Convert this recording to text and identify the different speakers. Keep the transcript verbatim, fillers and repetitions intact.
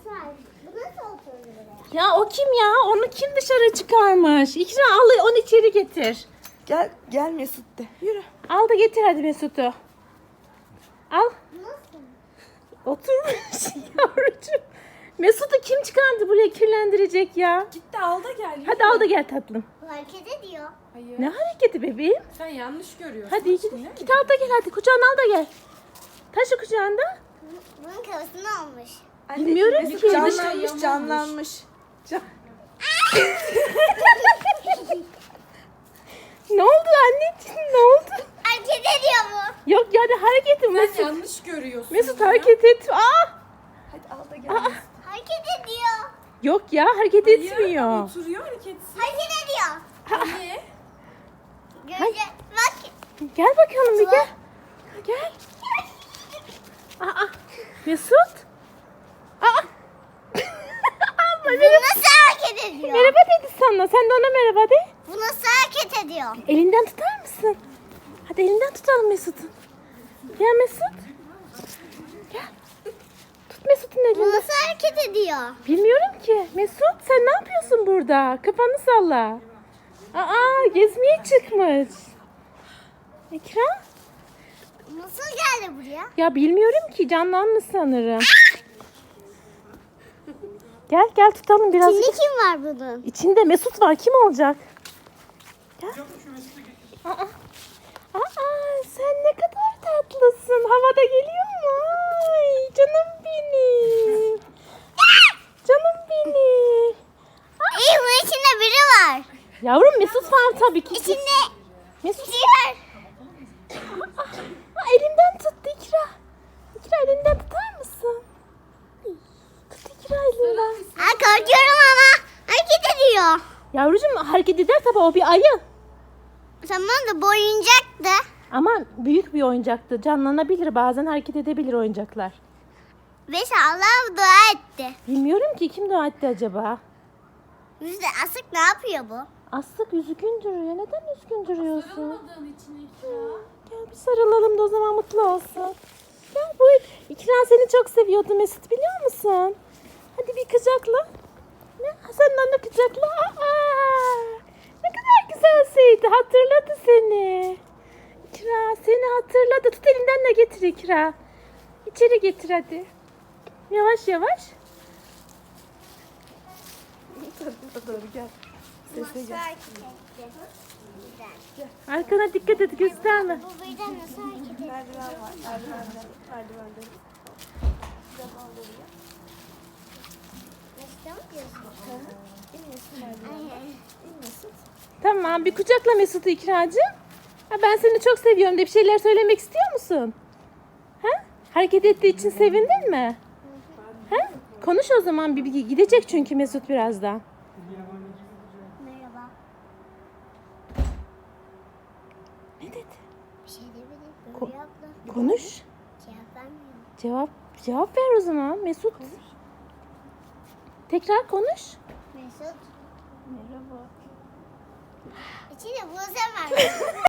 Speaker 1: var. Bu nasıl oturdu buraya?
Speaker 2: Ya o kim ya? Onu kim dışarı çıkarmış? İkra al onu içeri getir.
Speaker 3: Gel gel Mesut de. Yürü.
Speaker 2: Al da getir hadi Mesut'u. Al.
Speaker 1: Nasıl?
Speaker 2: Oturmuş yavrucuğum. Mesut'u kim çıkardı buraya kirlendirecek ya?
Speaker 3: Git de al da gel.
Speaker 2: Hadi al da gel tatlım.
Speaker 1: Bu hareket ediyor.
Speaker 3: Hayır.
Speaker 2: Ne hareketi bebeğim?
Speaker 3: Sen yanlış görüyorsun.
Speaker 2: Hadi git, git al da gel hadi. Kucağına al da gel. Taşı kucağında.
Speaker 1: Bunun kafasını almış.
Speaker 2: Bilmiyorum ki.
Speaker 3: Canlanmış canlanmış. Can...
Speaker 2: Ne oldu anneciğim ne oldu?
Speaker 1: Hareket ediyor bu.
Speaker 2: Yok yani hareketi
Speaker 3: Sen
Speaker 2: Mesut.
Speaker 3: yanlış görüyorsun.
Speaker 2: Mesut
Speaker 3: ya.
Speaker 2: hareket et. Aa!
Speaker 3: Hadi al da gel.
Speaker 2: Aa!
Speaker 1: Hareket ediyor.
Speaker 2: Yok ya hareket
Speaker 3: Hayır,
Speaker 2: etmiyor.
Speaker 3: Oturuyor hareketsiz.
Speaker 1: Hareket ediyor.
Speaker 3: Hani?
Speaker 1: Gözce bak.
Speaker 2: Gel bakalım bir gel. Gel. Aa, Mesut. Aa. Ama
Speaker 1: Bu
Speaker 2: merhaba,
Speaker 1: nasıl hareket ediyor?
Speaker 2: merhaba dedi sana. Sen de ona merhaba de.
Speaker 1: Bu nasıl hareket ediyor?
Speaker 2: Elinden tutar mısın? Hadi elinden tutalım Mesut'un. Gel Mesut. Gel. Tut Mesut'un
Speaker 1: Bu
Speaker 2: elinden.
Speaker 1: nasıl hareket ediyor?
Speaker 2: Bilmiyorum ki. Mesut sen ne yapıyorsun burada? Kafanı salla. Aa gezmeye çıkmış. Ekran?
Speaker 1: Nasıl geldi buraya?
Speaker 2: Ya bilmiyorum ki canlanmış sanırım. Gel gel tutalım biraz.
Speaker 1: Şimdi kim var bunun?
Speaker 2: İçinde Mesut var. Kim olacak? Gel. Aa, aa, sen ne kadar tatlısın. Havada geliyor mu? Ay, canım benim. Canım benim.
Speaker 1: İyi bunun içinde biri var.
Speaker 2: Yavrum Mesut var tabii ki.
Speaker 1: İçinde
Speaker 2: Mesut.
Speaker 1: biri var.
Speaker 2: Aa, aa, elimden tuttu İkra. İkra elinden tutar mısın? Tut İkra elinden.
Speaker 1: Aa, korkuyorum ama hareket ediyor.
Speaker 2: Yavrucuğum hareket eder tabii o bir ayı.
Speaker 1: Tamam da bu oyuncaktı.
Speaker 2: Ama büyük bir oyuncaktı. Canlanabilir bazen hareket edebilir oyuncaklar.
Speaker 1: Ve Allah dua etti.
Speaker 2: Bilmiyorum ki kim dua etti acaba?
Speaker 1: Yüzde asık ne yapıyor bu?
Speaker 2: Aslık üzgün duruyor. Neden üzgün duruyorsun?
Speaker 3: Sarılmadığın için İkra.
Speaker 2: Gel bir sarılalım da o zaman mutlu olsun. Gel bu İkra seni çok seviyordu Mesut biliyor musun? Hadi bir kucakla. Ne? Sen de onu kucakla. Aa, ne kadar güzelseydi. Hatırladı seni. İkra seni hatırladı. Tut elinden de getir İkra. İçeri getir hadi. Yavaş yavaş.
Speaker 3: Doğru gel. Sesle gel.
Speaker 2: Arkana dikkat et gösterme.
Speaker 1: Bu birden nasıl hareket ediyor?
Speaker 3: Merdiven var. Merdivenden. Merdivenden.
Speaker 1: Nasıl mı diyorsun? Ay,
Speaker 2: Tamam bir kucakla Mesut'u İkracığım. Ha, ben seni çok seviyorum de bir şeyler söylemek istiyor musun? Ha? Hareket ettiği için sevindin mi? Ha? Konuş o zaman bir, bir gidecek çünkü Mesut birazdan.
Speaker 1: Merhaba.
Speaker 2: Ne dedi?
Speaker 1: Bir şey demedim.
Speaker 2: Ko-
Speaker 1: Böyle yaptı.
Speaker 2: Konuş.
Speaker 1: Cevap vermiyor.
Speaker 2: Cevap cevap ver o zaman Mesut. Tekrar konuş.
Speaker 1: Mesut. Merhaba. İçinde bu sen var.